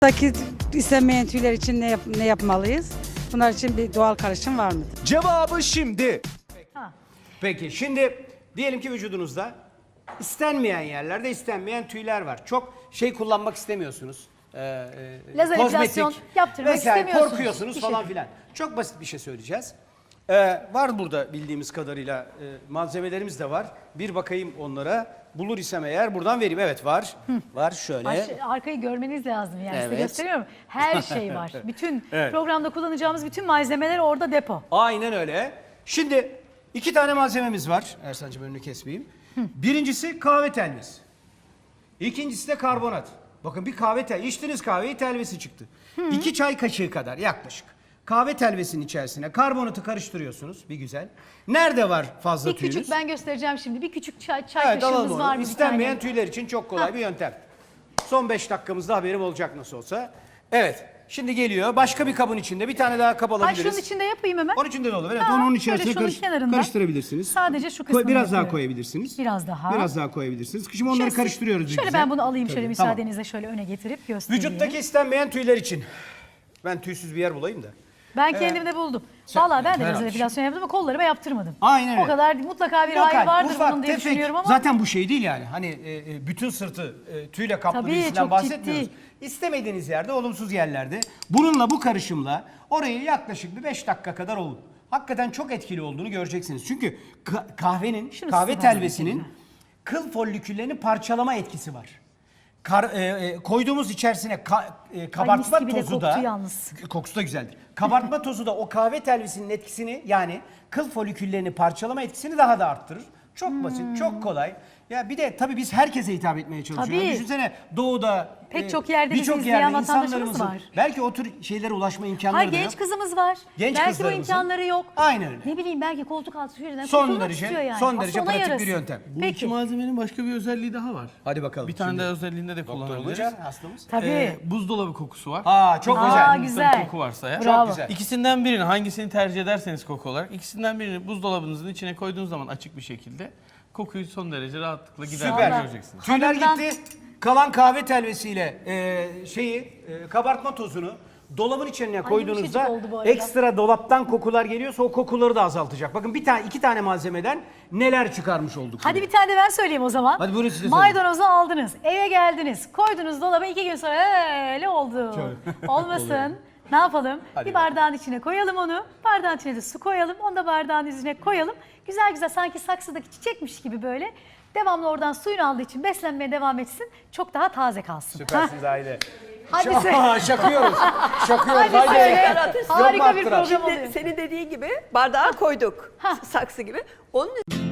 Daki istenmeyen tüyler için ne yapmalıyız? Bunlar için bir doğal karışım var mıdır? Cevabı şimdi. Peki şimdi diyelim ki vücudunuzda istenmeyen yerlerde istenmeyen tüyler var. Çok şey kullanmak istemiyorsunuz. Lazer epilasyon yaptırmak istemiyorsunuz. Korkuyorsunuz falan filan. Çok basit bir şey söyleyeceğiz. Var burada bildiğimiz kadarıyla malzemelerimiz de var. Bir bakayım onlara. Bulur isem eğer buradan vereyim. Evet var. Var şöyle. Arkayı görmeniz lazım yani size Evet. gösteriyorum. Her şey var. Bütün Evet. programda kullanacağımız bütün malzemeler orada depo. Aynen öyle. Şimdi 2 tane malzememiz var. Ersan'cığım önünü kesmeyeyim. Birincisi kahve telvesi. İkincisi de karbonat. Bakın bir kahve telvesi. İçtiniz kahveyi, telvesi çıktı. 2 çay kaşığı kadar yaklaşık. Kahve telvesinin içerisine karbonatı karıştırıyorsunuz bir güzel. Nerede var fazla Bir tüyünüz? küçük ben göstereceğim şimdi. Bir küçük çay Evet, alalım kaşığımız onu. var bir İstenmeyen tane. tüyler için çok kolay bir yöntem. Son 5 dakikamızda haberim olacak nasıl olsa. Evet. Şimdi geliyor. Başka bir kabın içinde bir tane daha kap Ay alabiliriz. şunun içinde yapayım hemen. Onun içinde de olur. Evet, Ha, onun şöyle içerisine şunun kenarında. karıştırabilirsiniz. Sadece şu kısmını Biraz daha yapıyorum. koyabilirsiniz. Biraz daha. Biraz daha koyabilirsiniz. Şimdi onları Şöyle- karıştırıyoruz. bir Şöyle güzel. ben bunu alayım şöyle Tabii, müsaadenizle şöyle öne getirip göstereyim. Vücuttaki istenmeyen tüyler için. Ben tüysüz bir yer bulayım da. Ben kendimde buldum. Vallahi ben de Herhalde. lazer epilasyon yaptım ama kollarıma yaptırmadım. Aynen öyle. O kadar mutlaka bir Lokal, hayır vardır ufak, bunun diye tefek. düşünüyorum ama. Zaten bu şey değil yani. Hani bütün sırtı tüyle kaplı Tabii, birisinden çok bahsetmiyoruz. ciddi. İstemediğiniz yerde, olumsuz yerlerde bununla bu karışımla orayı yaklaşık bir 5 dakika kadar ovun. Hakikaten çok etkili olduğunu göreceksiniz. Çünkü kahvenin, Şunu kahve size ben telvesinin kıl folliküllerini parçalama etkisi var. Koyduğumuz içerisine kabartma gibi de tozu da koktu yalnız. kokusu da güzeldir. Kabartma tozu da o kahve telvisinin etkisini yani kıl foliküllerini parçalama etkisini daha da arttırır. Çok basit, çok kolay. Ya bir de tabii biz herkese hitap etmeye çalışıyoruz. Tabii. Düşünsene doğuda Pek çok yerde bizi birçok izleyen yerde vatandaşımız insanlarımızın var. belki o tür şeylere ulaşma imkanları Hayır da yok. genç kızımız var. Genç belki bu kızlarımızın- imkanları yok. Aynen öyle. Ne bileyim belki koltuk altı şuradan Son kurtulmak derece, istiyor yani. son Aslında derece ona pratik bir yarasın. yöntem. Bu iki Peki. malzemenin başka bir özelliği daha var. Hadi bakalım. Bir tane şimdi. daha özelliğinde de Doktor kullanabiliriz. olacak hastamız. Tabii. Buzdolabı kokusu var. Çok Aa, güzel. güzel. Koku varsa ya. Bravo. güzel. İkisinden birini hangisini tercih ederseniz koku olarak ikisinden birini buzdolabınızın içine koyduğunuz zaman açık bir şekilde kokuyu son derece rahatlıkla giderdiğini Süper. göreceksiniz. Tüyler Hanımdan- gitti. Kalan kahve telvesiyle kabartma tozunu dolabın içine koyduğunuzda yumuşacık oldu bu arada. ekstra dolaptan kokular geliyorsa o kokuları da azaltacak. Bakın iki tane malzemeden neler çıkarmış olduk. Hadi bir tane de ben söyleyeyim o zaman. Hadi buyurun siz de Maydanozu aldınız, eve geldiniz, koydunuz dolaba 2 gün sonra öyle oldu. Olmasın. Ne yapalım? Hadi Bir bardağın içine koyalım onu. Bardağın içine de su koyalım. Onu da bardağın üzerine koyalım. Güzel güzel sanki saksıdaki çiçekmiş gibi böyle. Devamlı oradan suyunu aldığı için beslenmeye devam etsin. Çok daha taze kalsın. Süpersiniz Aile. Hadi söyle. Şakıyoruz. Şakıyoruz. Hadi söyle. Yok mu Harika bir arttıran? program Şimdi oluyor. senin dediğin gibi bardağa koyduk. Saksı gibi. Onun